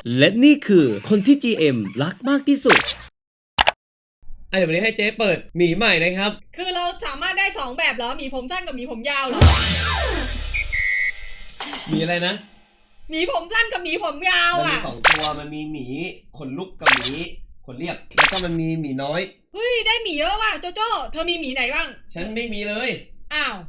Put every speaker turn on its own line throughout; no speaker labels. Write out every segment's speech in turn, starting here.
และนี่คือคนที่ GM รักมากที่สุด
เดี๋ยววันนี้ให้เจ๊เปิดหมีใหม่นะครับ
คือเราสามารถได้2แบบเหรอหมีผมสั้นกับหมีผมยาวเหรอ
มีอะไรนะ
หมีผมสั้นกับหมีผมยาว
มันมี2ตัวมันมีหมีขนลุกกับหมีขนเรียบแล้วก็มันมีหมีน้อย
เฮ้ยได้หมีเยอะว่ะโจโจ้เธอมีหมีไหนบ้าง
ฉันไม่มีเลย
อ้าว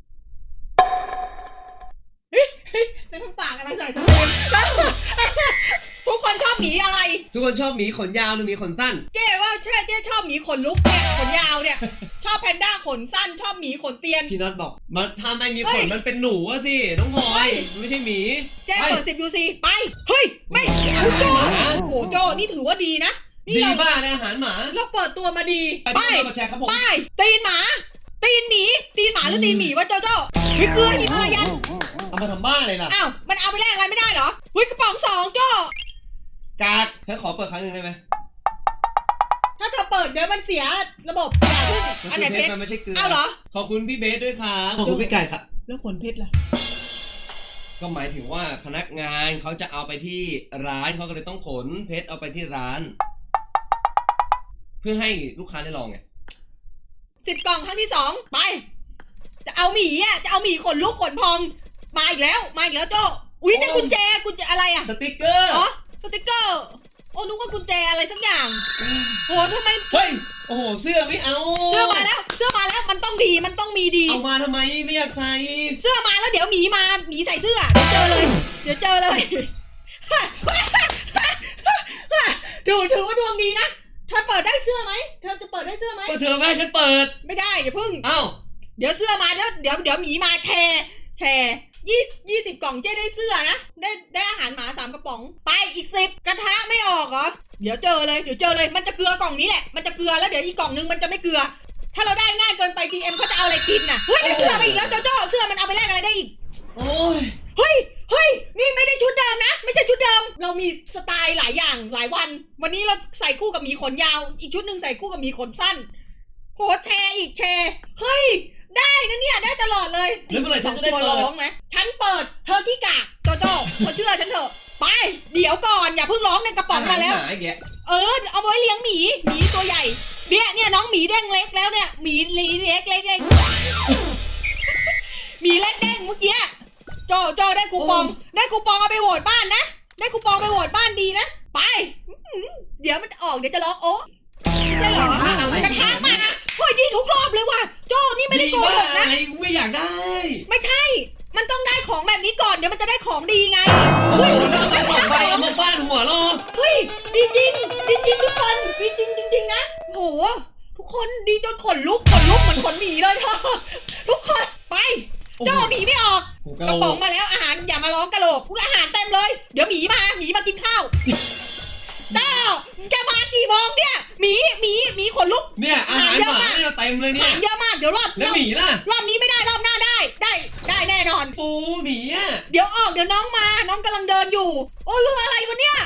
จะทำปากอะไรใส่ตัวเองทุกคนชอบหมีอะไร
ทุกคนชอบหมีขนยาวหรือหมีขนสั้น
เจ๊ว่าเจ๊ชอบหมีขนลุกเนี่ยขนยาวเนี่ยชอบแพนด้าขนสั้นชอบหมีขนเตียน
พี่น็อตบอกมันทำไมมีขนมันเป็นหนูอะสิน้องพลอยไม่ใช่หมี
เจ๊เปิด10 UC ไปเฮ้ยไม่คุณโจโอ้โหโจนี่ถือว่าดีนะ
ดีบ้าในอาหารหมา
เราเปิดตัวมาดี
ไป
ตีนหมาตีนหมีตีนหมาหรือตีนหมีวะโจโจ้วิเกลือหิมายัน
เอามาทำบ้าเลยล่ะ
อ้าวมันเอาไปแลกอะไรไม่ได้เหรอวิกระป๋อง2โจ
กากฉันขอเปิดครั้งหนึ่งได้ไหม
ถ้าเธอเปิดเดี๋ยวมันเสียระบบอย่าพึ่ง
อันไหนเพชรมันไม่ใช่เกลือ
เอาเหรอ
ขอบคุณพี่เบสด้วยครับขอบคุณพี่ไก่ครับ
แล้วขนเพชรล่ะ
ก็หมายถึงว่าพนักงานเขาจะเอาไปที่ร้านเขาก็เลยต้องขนเพชรเอาไปที่ร้านเพื่อให้ลูกค้าได้ลองไง
10 กล่องครั้งที่2ไปจะเอาหมีจะเอาหมีขนลุกขนพองมาอีกแล้วโจอุ้ยได้กุญแจอะไรอะ
สติ๊กเกอร์
อ๋อสติ๊กเกอร์โอ้นึกว่ากุญแจอะไรสักอย่างโหทำไม
เฮ้ยโอ้โหเสื้อไม่เอา
เสื้อมาแล้วมันต้องดีมันต้องมีดี
เอามาทำไมไม่อยากใส่
เสื้อมาแล้วเดี๋ยวหมีใส่เสื้อเดี๋ยวเจอเลยถือว่าดวงดีนะเธอเปิดได้เสื้อไหมเธอจะเปิดได้เสื้อไหม
ก็เธอไม่ให้ฉันเปิด
ไม่ได้อย่าพึ่ง
เอ้า
เดี๋ยวเสื้อมาเดี๋ยวหมีมาแชร์20 กล่องเจ๊ได้เสื้อนะได้อาหารหมา3 กระป๋องไปอีก10กระทะไม่ออกเหรอเดี๋ยวเจอเลยมันจะเกลือกล่องนี้แหละมันจะเกลือแล้วเดี๋ยวอีกกล่องนึงมันจะไม่เกลือถ้าเราได้ง่ายเกินไป GM เขาจะเอาอะไรกินน่ะเฮ้ยได้เสื้อมาอีกแล้วโจโจ้เสื้อมันเอาไปแลกอะไรได้อีก
โอ้ย
เฮ้ยนี่ไม่ได้ชุดเดิมนะไม่ใช่ชุดเดิมเรามีสไตล์หลายอย่างหลายวันนี้เราใส่คู่กับหมีขนยาวอีกชุดหนึ่งใส่คู่กับหมีขนสั้นโหแชร์เฮ้ยได้นะเนี่ยได้ตลอดเลย
แล้วเมื่อไหร่ฉันจะได้เปิด
ร้องนะฉันเปิดเธอที่กากโจโจ้เธอเชื่อฉันเถอะไปเดี๋ยวก่อนอย่าเพิ่งร้องในกระป๋องมาแล้วเอาไว้เลี้ยงหมีตัวใหญ่เนี่ยน้องหมีเด้งเล็กแล้วเนี่ยหมีเล็กหมีเล็กเด้งเมื่อกี้โจได้คูปองเอาไปโหวตบ้านนะได้คูปองไปโหวตบ้านดีนะไปเดี๋ยวมันจะออกเดี๋ยวจะร้องโอ้ใช่เหรอกระทะมาโอ้ยดีทุกรอบเลยว่ะโจนี่ไม่ได้โกหกนะ
ไม่อยากได้
ไม่ใช่มันต้องได้ของแบบนี้ก่อนเดี๋ยวมันจะได้ของดีไง
เฮ้ยแล้วมาของไปเอามาบ้านหัวเรา
เฮ้ยดีจริงทุกคนดีจริงนะโหทุกคนดีจนขนลุกเหมือนขนหมีเลยเธอทุกคนไปโจหมีไม่ออกกระป๋องมาแล้วอาหารอย่ามาร้องกะโหลกอาหารเต็มเลยเดี๋ยวหมีมากินข้าวเจ้าจะมากี่โมงเนี่ยหมีขนลุก
เนี่ยอาหารหมาเนี่ยเต็มเลยเนี่ย
เยอะมากเดี๋ยว
แล้วหมีล่ะ
รอบนี้ไม่ได้รอบหน้าได้แน่นอน
ปูหมีอ่ะ
เดี๋ยวน้องมาน้องกำลังเดินอยู่โอ้ยอะไรวะเนี่ย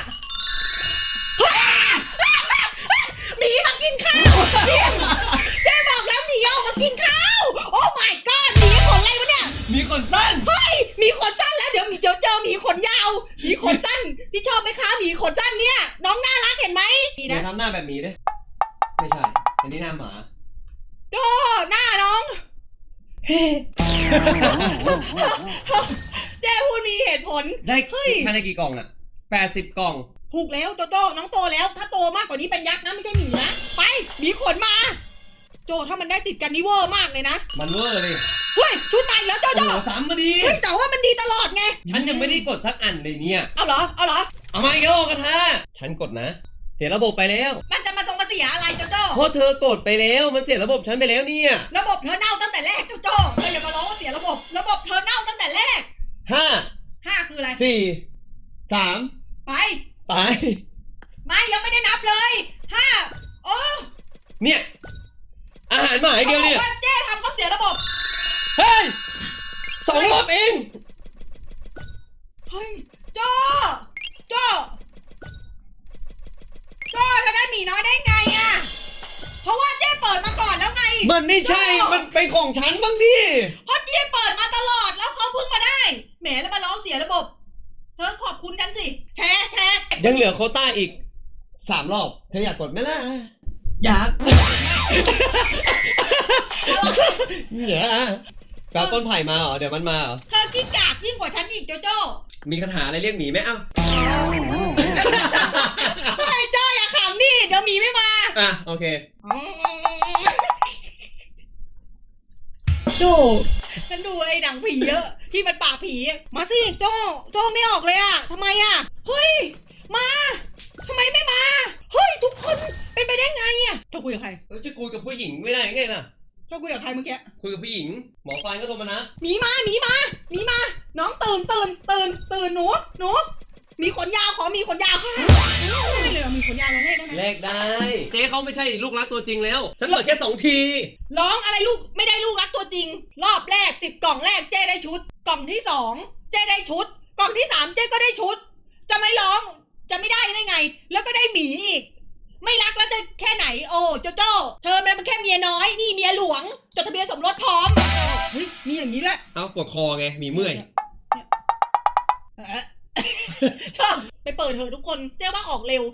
หมีมากินข้าวเจ๊บอกแล้วหมีออกมากินข้าวโอ้ my god หมีขนอะไรวะเนี่ย
หมีขนสั้น
เฮ้ยหมีขนสั้นแล้วเดี๋ยวเจอหมีขนยาวหมีขนสั้นพี่ชอบไหมคะหมีขนสั้นเนี่ยน้องน่ารักเห็นไหม
อย่าทำหน้าแบบหมีเลยไม่ใช่อันนี้หน้าหมา
โธ่หน้าน้องเจ๊พูดมีเหตุผล
ได้ภายในกี่กล่องอ่ะ80 กล่อง
ถูกแล้วโจน้องโตแล้วถ้าโตมากกว่านี้เป็นยักษ์นะไม่ใช่หมีนะไปหมีขนมาโจถ้ามันได้ติดกันนี่เวอร์มากเลยนะ
มันเวอร์เลย
เฮ้ยชุดใหม่แล้วโจ
ซ้ำมาดี
เฮ้ยแต่ว่ามันดีตลอดไง
ฉันยังไม่ได้กดสักอันเลยเนี่ย
เอาเหรอ
เอามาอีกแล้วกระทะฉันกดนะเสียระบบไปแล้ว
มันจะมาเสียอะไรโจ
เพราะเธอกดไปแล้วมันเสียระบบฉันไปแล้วเนี่ย
ระบบเธอเน่าตั้งแต่แรกโจเธออย่ามาร้องว่าเสียระบบเธอเน่าตั้งแต่แรก5คืออะไร
4 3
ไป
ไม่
ยังไม่ได้นับเลย5โอ้
เนี่ยอาหารหมาเดียวเนี่ย
เจ๊ทำเขาเสียระบบ
เฮ้ย2 รอบเอง
เฮ้ยโจเธอได้หมีน้อยได้ไงอะเพราะว่าเจ๊เปิดมาก่อนแล้วไง
มันไม่ใช่มันเป็นของฉันบ้างดิ
เพราะเจ๊เปิดมาตลอดแล้วเขาเพิ่งมาได้แหมแล้วมาร้องเสียระบบเธอขอบคุณกันสิแชร์
ยังเหลือโควต้าอีก3 รอบเธออยากกดไหมล่ะ
อยาก
เนี่ยแปลต้นไผ่มาเหรอเดี๋ยวมันมาเหรอ
เธอขี้กากยิ่งกว่าฉันอีกโจโจ้
มีคาถาอะไรเรียกหมีไหมเอ้า
เฮ้ยโจ้อย่าขำดิเดี๋ยวหมีไม่มา
อ่ะโอเค
โจฉันดูไอ้หนังผีเยอะที่มันปากผีมาสิโจ้ไม่ออกเลยอะทำไมอะเฮ้ยมาทำไมไม่มาเฮ้ยทุกคนเป็นไปได้ไงอะเจ้าคุยกับใคร
แล้วจะคุยกับผู้หญิงไม่ได้ไงล่ะ
เจ้าคุยกับใครเมื่อกี้
คุยกับผู้หญิงหมอฟันก็โทรมานะ
หมีมาน้องตื่นหนูมีขนยาวขอมีขนยาวค่ะได้เลยเหรอมีขนยาวเราได้ไหม
แลกได้ เจ๊เขาไม่ใช่ลูกรักตัวจริงแล้ว ฉันเปิดแค่2 ที
ร้องอะไรลูกไม่ได้ลูกรักตัวจริง รอบแรก10 กล่องแรกเจ้ได้ชุด กล่องที่2เจ้ได้ชุด กล่องที่3เจ้ก็ได้ชุด จะไม่ร้องจะไม่ได้ไง แล้วก็ได้หมีอีก ไม่รักแล้วจะแค่ไหนโอ้โจโจ้เธอมันแค่เมียน้อยนี่เมียหลวงจดทะเบียนสมรสพร้อมเฮ้ยมีอย่างนี้ด้วย
เอาปวดคอไงมีเมื่อย
ชอบไปเปิดเถอะทุกคนเจ๊ว่าออกเร็ว